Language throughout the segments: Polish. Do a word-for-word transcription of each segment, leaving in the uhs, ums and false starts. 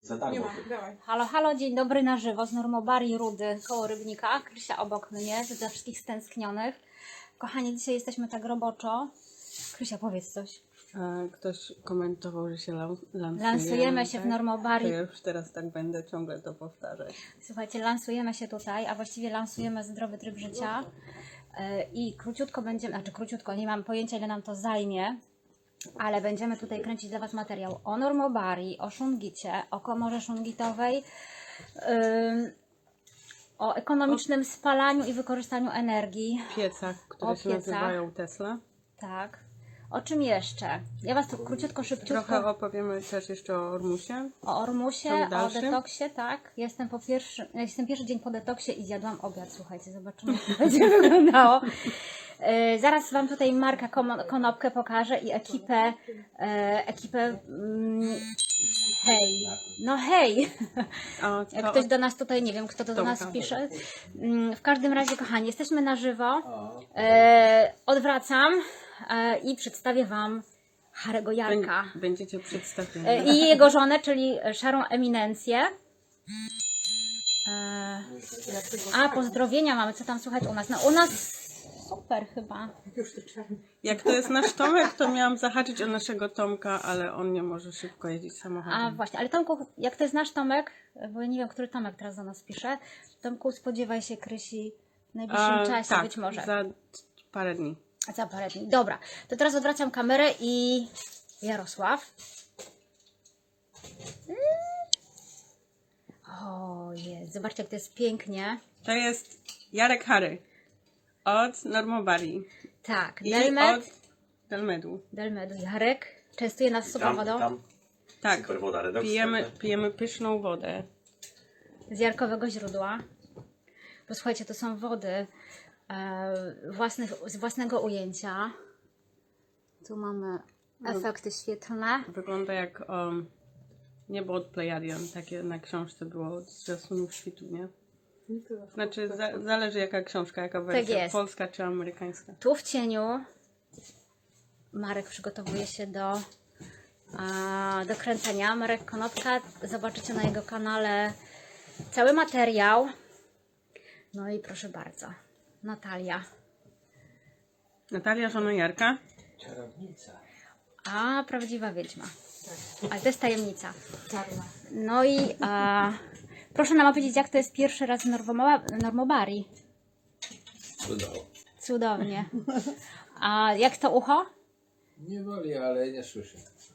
Za darmo. Nie ma, dawaj. Halo, halo, dzień dobry na żywo z Normobari Rudy koło Rybnika. Krysia obok mnie, dla wszystkich stęsknionych. Kochani, dzisiaj jesteśmy tak roboczo. Krysia, powiedz coś. Ktoś komentował, że się lansujemy. Lansujemy się tak? w Normobari. To ja już teraz tak będę ciągle to powtarzać. Słuchajcie, lansujemy się tutaj, a właściwie lansujemy zdrowy tryb życia. Yy, I króciutko będziemy, znaczy króciutko, nie mam pojęcia ile nam to zajmie, ale będziemy tutaj kręcić dla Was materiał o Normobari, o szungicie, o komorze szungitowej, yy, o ekonomicznym spalaniu i wykorzystaniu energii. Piecach, które O się piecach. nazywają Tesla. Tak. O czym jeszcze? Ja Was tu króciutko, szybciutko Trochę opowiemy też jeszcze o Ormusie. o Ormusie, Ciąg o dalszy? detoksie, tak. Jestem po pierwszy, jestem pierwszy dzień po detoksie i zjadłam obiad, słuchajcie, zobaczymy jak to będzie wyglądało. Yy, zaraz Wam tutaj Marka Komo- Konopkę pokażę i ekipę, yy, ekipę, mm, hej, no hej, O, jak to- ktoś do nas tutaj, nie wiem kto to do nas Tomka. pisze. Mm, W każdym razie, kochani, jesteśmy na żywo. Yy, odwracam yy, i przedstawię Wam Harego Jarka. Bę- Będziecie przedstawieni. E, i jego żonę, czyli szarą eminencję. E, a pozdrowienia mamy, co tam słuchać u nas? No u nas super chyba. Jak to jest nasz Tomek, to miałam zahaczyć o naszego Tomka, ale on nie może szybko jeździć samochodem. A właśnie, ale Tomku, jak to jest nasz Tomek, bo ja nie wiem, który Tomek teraz do nas pisze. Tomku, spodziewaj się Krysi w najbliższym A, czasie tak, być może. za parę dni. Za parę dni. Dobra, to teraz odwracam kamerę i Jarosław. Mm. O jest, zobaczcie jak to jest pięknie. To jest Jarek Hary od Normobari Tak, i Delmed, od Delmedu. Delmedu Jarek częstuje nas super Tam, wodą tam. Tak, Super woda, redoks. pijemy, pijemy pyszną wodę. z jarkowego źródła. Bo słuchajcie, to są wody e, własnych, z własnego ujęcia. Tu mamy efekty świetlne. Wygląda jak um, niebo od Plejadian, takie na książce było z Jasminów Świtu, nie? Znaczy za, zależy jaka książka, jaka wersja, jest. polska czy amerykańska. Tu w cieniu Marek przygotowuje się do, a, do kręcenia. Marek Konopka, zobaczycie na jego kanale cały materiał. No i proszę bardzo, Natalia. Natalia, żona Jarka. Czarownica. A, prawdziwa wiedźma. Ale to jest tajemnica. Czarna. No i a, proszę nam opowiedzieć, jak to jest pierwszy raz w Normoba- Normobari. Cudowo. Cudownie. A jak to ucho? Nie boli, ale nie słyszę.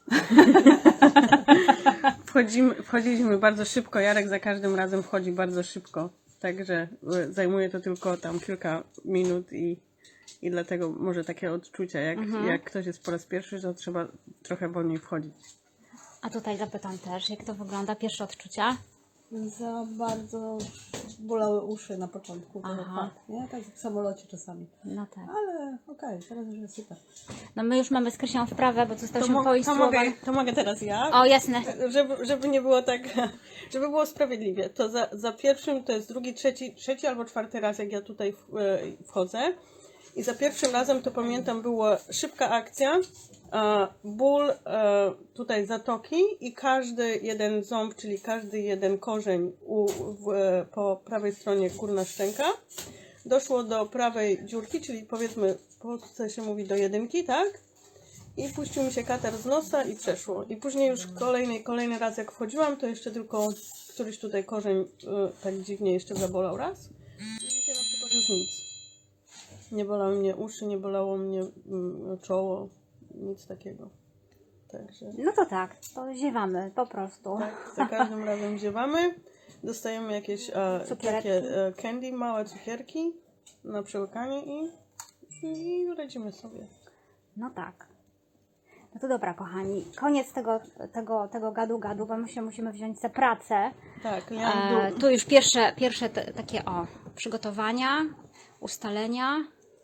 Wchodzimy, wchodziliśmy bardzo szybko, Jarek za każdym razem wchodzi bardzo szybko. Także y, zajmuje to tylko tam kilka minut i, i dlatego może takie odczucia, jak, jak ktoś jest po raz pierwszy, to trzeba trochę wolniej wchodzić. A tutaj zapytam też, jak to wygląda, pierwsze odczucia? Za bardzo bolały uszy na początku, to Aha. fakt, nie? Tak jak w samolocie czasami. No tak. Ale okej, teraz już jest super. No my już mamy z Krysią wprawę, bo To, zostaliśmy mo- to, poinstruowani. mogę, to mogę teraz ja? O, jasne. Żeby, żeby nie było tak, żeby było sprawiedliwie, to za, za pierwszym to jest drugi, trzeci, trzeci albo czwarty raz, jak ja tutaj w, e, wchodzę. I za pierwszym razem to pamiętam, była szybka akcja, e, ból e, tutaj zatoki i każdy jeden ząb, czyli każdy jeden korzeń u, w, e, po prawej stronie górna szczęka. Doszło do prawej dziurki, czyli powiedzmy w Polsce się mówi do jedynki, tak? I puścił mi się katar z nosa i przeszło. I później już kolejny, kolejny raz jak wchodziłam, to jeszcze tylko któryś tutaj korzeń y, tak dziwnie jeszcze zabolał raz. I dzisiaj na przykład już nic. Nie bolały mnie uszy, nie bolało mnie mm, czoło, nic takiego. Także No to tak, to ziewamy po prostu. tak, za każdym razem ziewamy. Dostajemy jakieś e, Cukiereczki. takie e, candy, małe cukierki na przełykanie i, i radzimy sobie. No tak. No to dobra, kochani. Koniec tego, tego, tego gadu gadu, bo my się musimy wziąć za pracę. Tak, E, ja tu już pierwsze, pierwsze te, takie o przygotowania, ustalenia.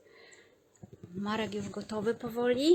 Marek już gotowy powoli.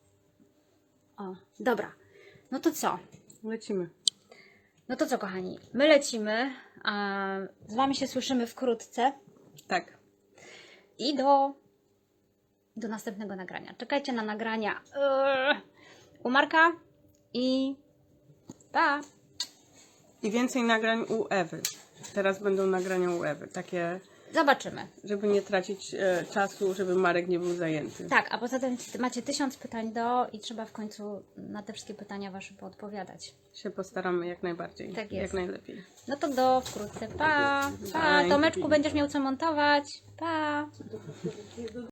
O, dobra. No to co? lecimy. No to co, kochani? My lecimy. A z Wami się słyszymy wkrótce. Tak. I do, do następnego nagrania. Czekajcie na nagrania yy, u Marka i pa! I więcej nagrań u Ewy. Teraz będą nagrania u Ewy. Takie, Zobaczymy. żeby nie tracić e, czasu, żeby Marek nie był zajęty. Tak, a poza tym macie tysiąc pytań do i trzeba w końcu na te wszystkie pytania wasze poodpowiadać. Się postaramy jak najbardziej. Tak jest. Jak najlepiej. No to do wkrótce. Pa! Pa! Bye. Tomeczku, będziesz miał co montować. Pa!